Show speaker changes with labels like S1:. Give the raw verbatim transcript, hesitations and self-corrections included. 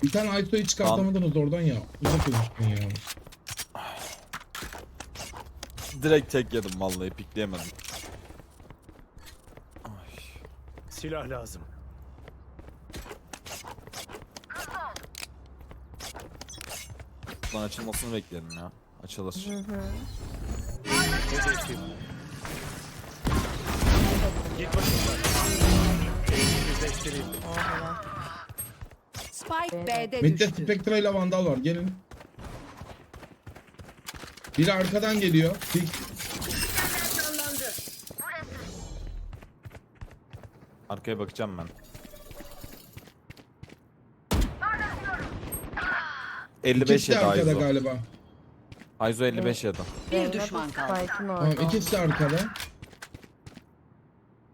S1: Bir tane Ayso'yu çıkartamadınız oradan ya. Uzak olmuştun ya.
S2: Direkt tek yedim vallahi, pikleyemedim. Ay.
S3: Silah lazım.
S2: Lan açılmasını bekledim ya. Açılır.
S3: Hedefim. Git başımdan. Yüzleştireyim.
S4: Oha.
S5: Spike B'de
S1: Mid'de
S5: düştü.
S1: Spectre ile Vandal var. Gelin. Biri arkadan geliyor. Fix.
S2: Arkaya bakacağım ben. elli beş
S1: İkisi de
S2: yedi
S1: arkada
S2: Ayzo.
S1: galiba.
S2: Ayzo elli beş yedi.
S5: Bir düşman kaldı.
S4: Spike'ın
S1: Tamam
S4: orada.
S1: ikisi de arkada.